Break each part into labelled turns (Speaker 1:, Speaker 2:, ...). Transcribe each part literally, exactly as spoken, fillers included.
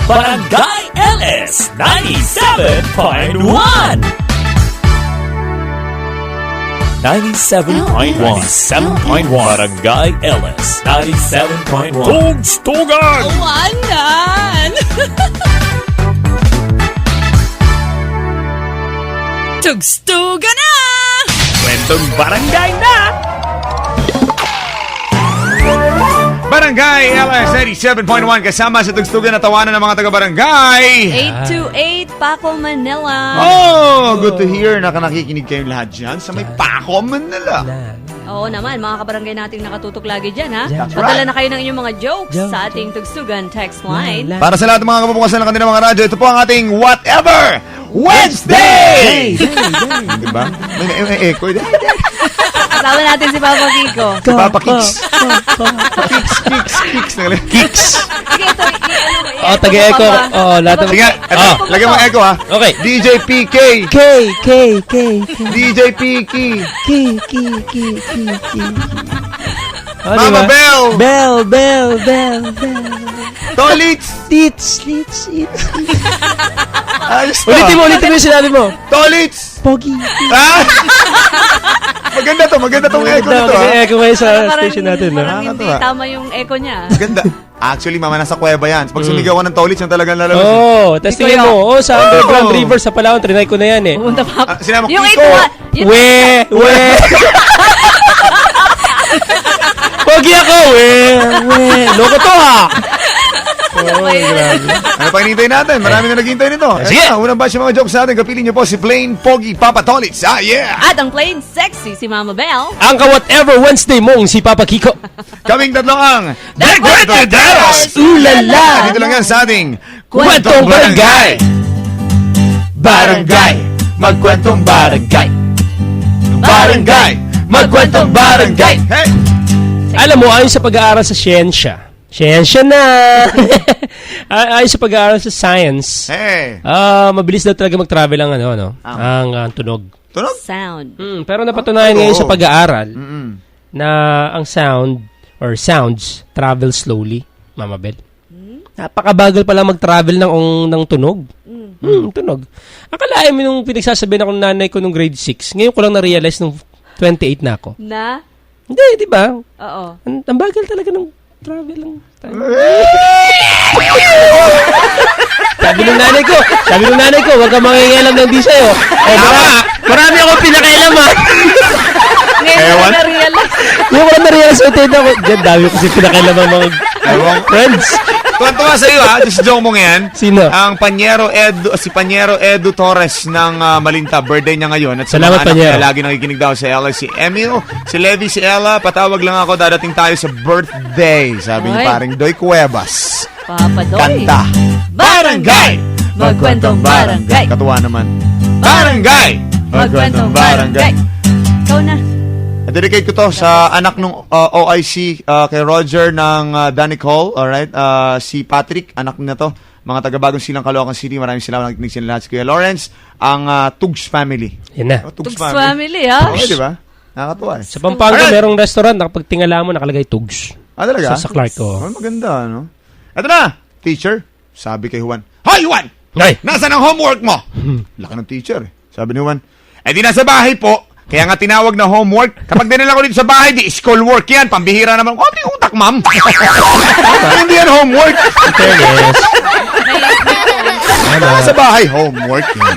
Speaker 1: Barangay L S ninety-seven point one. ninety-seven point one. seven point one. Barangay L S ninety-seven point one. Tugstugan!
Speaker 2: Awanan! Tugstugan na!
Speaker 1: Kwentong barangay na!
Speaker 3: Barangay L S eighty-seven point one kasama sa tugstugan na tawanan ng mga taga-barangay.
Speaker 2: eight two eight Paco, Manila.
Speaker 3: Oh, good to hear na nakikinig kayong lahat dyan sa may Paco, Manila.
Speaker 2: Oo naman, mga kabarangay nating nakatutok lagi dyan, ha?
Speaker 3: That's
Speaker 2: Padala
Speaker 3: right.
Speaker 2: na kayo ng inyong mga jokes sa ating Tugstugan text line.
Speaker 3: Para sa lahat ng mga kapupukasan ng kanilang mga radyo, ito po ang ating Whatever Wednesday! Diba? May, may, may echo.
Speaker 2: Kasama natin si Papa Kiko.
Speaker 3: Si Papa Kicks. Kicks, Kicks, Kicks. Kicks.
Speaker 2: Sige, ito, i-ano mo.
Speaker 4: Oh, taga-echo. Oh, lahat ng...
Speaker 3: Sige, eto,
Speaker 4: Ah.
Speaker 3: lagyan mo echo ha.
Speaker 4: Okay.
Speaker 3: D J P K.
Speaker 4: K, K, K, K.
Speaker 3: D J P K.
Speaker 4: K, K, K, K, K. Oh,
Speaker 3: Mama
Speaker 4: diba?
Speaker 3: Bell.
Speaker 4: Bell, bell, bell, bell.
Speaker 3: Tolits.
Speaker 4: Lits, lits, lits.
Speaker 3: Ayos to.
Speaker 4: Ulitin mo, ulitin mo yung sinabi mo.
Speaker 3: Tolits.
Speaker 4: Pogi.
Speaker 3: Ah! Maganda to, maganda tong echo nito ha.
Speaker 4: Kasi echo kayo sa
Speaker 2: Parang-
Speaker 4: station natin. No?
Speaker 2: Parang hindi
Speaker 3: Nakakatawa.
Speaker 2: tama yung echo niya.
Speaker 3: Ganda. Actually, mama, nasa kuweba yan. Pag sumigaw ka ng Tolits, yung talagang lalabas.
Speaker 4: Oo, oh, tapos tingin mo, oh, sa underground
Speaker 3: Oh.
Speaker 4: river sa Palawan, trinay ko na yan eh.
Speaker 2: Pumunta pa.
Speaker 3: Ah, sinabi mo,
Speaker 2: Yung
Speaker 3: Kiko.
Speaker 2: ito, ah, yun-
Speaker 4: We, we. Pogi ako, we, we. Loko to ha.
Speaker 2: Ano ba yun?
Speaker 3: Ano pa hinihintay natin? Marami na naghihintay nito.
Speaker 4: Sige.
Speaker 3: Eto na, unang batch ng mga jokes natin. Kapilin niyo po si Plain Pogi Papa Tolits. Ah, yeah!
Speaker 2: At ang plain sexy si Mama Bell.
Speaker 4: Ang ka-whatever Wednesday mong si Papa Kiko.
Speaker 3: Kaming tatlong ang
Speaker 4: The Kwentadaros! Ulala!
Speaker 3: Dito lang yan sa ating
Speaker 4: Kwentong Barangay! Barangay! Magkwentong barangay! Barangay! Magkwentong barangay!
Speaker 3: Hey!
Speaker 4: Alam mo, ayon sa pag-aaral sa siyensya, siyensya na! Ay- ayon sa pag-aaral sa science,
Speaker 3: Hey!
Speaker 4: ah mabilis daw talaga mag-travel ang, ano, ano,
Speaker 3: Ah.
Speaker 4: ang ah, tunog.
Speaker 3: Tunog?
Speaker 2: Sound.
Speaker 4: Hmm, pero napatunayan
Speaker 3: Oh,
Speaker 4: ngayon
Speaker 3: oo.
Speaker 4: sa pag-aaral
Speaker 3: Mm-mm.
Speaker 4: na ang sound or sounds travel slowly, Mama Bel. Napakabagal pala mag-travel ng ng tunog. Hmm, tunog. Akalain mo nung pinagsasabihan ako ng nanay ko nung grade six. Ngayon ko lang na-realize nung twenty-eight na ako.
Speaker 2: Na?
Speaker 4: Hindi, di ba?
Speaker 2: Oo.
Speaker 4: Ang, ang bagal talaga ng travel ng time. Sabi ng nanay ko, sabi ng nanay ko, huwag kang mangingialam ng di sa'yo. Eh, marami, marami akong pinakailaman.
Speaker 2: Ngayon
Speaker 3: Ewan?
Speaker 2: ko na-realize.
Speaker 4: Yung ko lang na-realize ko, tingnan ko, dyan, dami ko kasi pinakailaman mga
Speaker 3: Ewan.
Speaker 4: friends.
Speaker 3: Tuwan-tuwa sa iyo ha. Just joke mo ngayon.
Speaker 4: Sino?
Speaker 3: Ang Panyero Edu, si Panyero Edu Torres ng ah, Malinta. Birthday niya ngayon. At sa
Speaker 4: Salamat,
Speaker 3: mga anak
Speaker 4: Panyero.
Speaker 3: niya, lagi nakikinig daw sa L S. Si Emil, si Levi, si Ella. Patawag lang ako. Dadating tayo sa birthday. Sabi ni
Speaker 2: Oy.
Speaker 3: paring Doy Cuevas.
Speaker 2: Papa Doy.
Speaker 3: Kanta.
Speaker 2: Barangay! Magkwentong barangay.
Speaker 3: Katuwa naman. Barangay!
Speaker 2: Magkwentong barangay. Ikaw na.
Speaker 3: Dedicate ko to sa anak nung uh, O I C uh, kay Roger ng uh, Danik Hall. Alright? Uh, si Patrick, anak na to. Mga taga-bagong silang Caloocan City. Maraming salamat nakikinig sila lahat. Si Kuya Lawrence, ang uh, Tugs family.
Speaker 4: Yan na.
Speaker 3: Oh,
Speaker 2: Tugs family, ha?
Speaker 3: Okay, di ba? Nakakatuwa eh.
Speaker 4: Sa Pampanga,
Speaker 3: Alright.
Speaker 4: merong restaurant, nakapagtingala mo, nakalagay Tugs.
Speaker 3: Ah, talaga?
Speaker 4: Sa, sa Clark, oh.
Speaker 3: Oh, maganda, no? Ito na, teacher. Sabi kay Juan, Hoy, Juan!
Speaker 4: Ay!
Speaker 3: Nasaan ang homework mo? Laki ng teacher eh. Sabi ni Juan, eh di nasa bahay po. Kaya nga tinawag na homework. Kapag dinala ko dito sa bahay, di school work yan. Pambihira naman. Oh, di utak, ma'am. Hindi yan homework.
Speaker 4: Fairness.
Speaker 3: Nasa bahay, homework yan.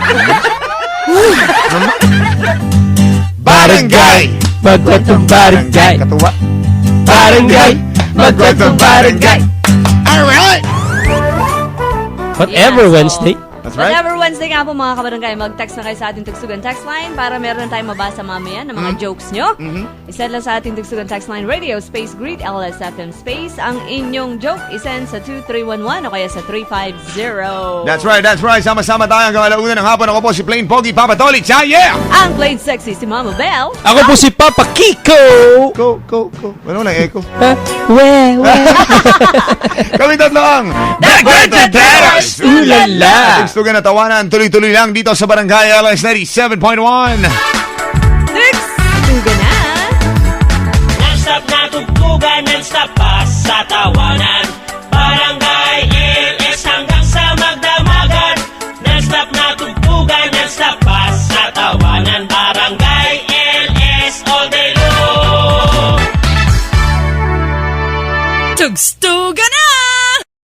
Speaker 3: Barangay!
Speaker 4: Magkwentong barangay.
Speaker 3: Katuwa.
Speaker 4: Barangay!
Speaker 3: Magkwentong barangay. Alright!
Speaker 4: Whatever
Speaker 2: Yeah, so-
Speaker 4: Wednesday.
Speaker 3: That's right.
Speaker 2: Whatever Wednesday nga po mga kabarangay, mag-text na kayo sa ating Tugstugan text line para meron na tayong mabasa mamaya ng mga jokes nyo. Isend lang sa ating Tugstugan text line radio space greet L S F M space ang inyong joke. Isend sa two three one one o kaya sa three five zero.
Speaker 3: That's right, that's right. Sama-sama tayo hanggang alauna ng hapon. Ako po si Plain Pogi Papa Tolits. Ah, yeah!
Speaker 2: Ang plain sexy si Mama Bell.
Speaker 4: Ako po si Papa Kiko!
Speaker 3: Go, go, go. Ano lang, echo?
Speaker 4: Ha? We, we.
Speaker 3: Kami tatlo ang The Kwentadaros!
Speaker 4: Ulala!
Speaker 3: Tugstugan na tawanan. Tuloy-tuloy lang dito sa Barangay L S ninety-seven point one.
Speaker 2: Tugstugan na.
Speaker 5: Non-stop na tugtugan, non-stop pa sa tawanan. Barangay L S hanggang sa Non-stop pass sa tawanan, Barangay L S all day long.
Speaker 2: Tugs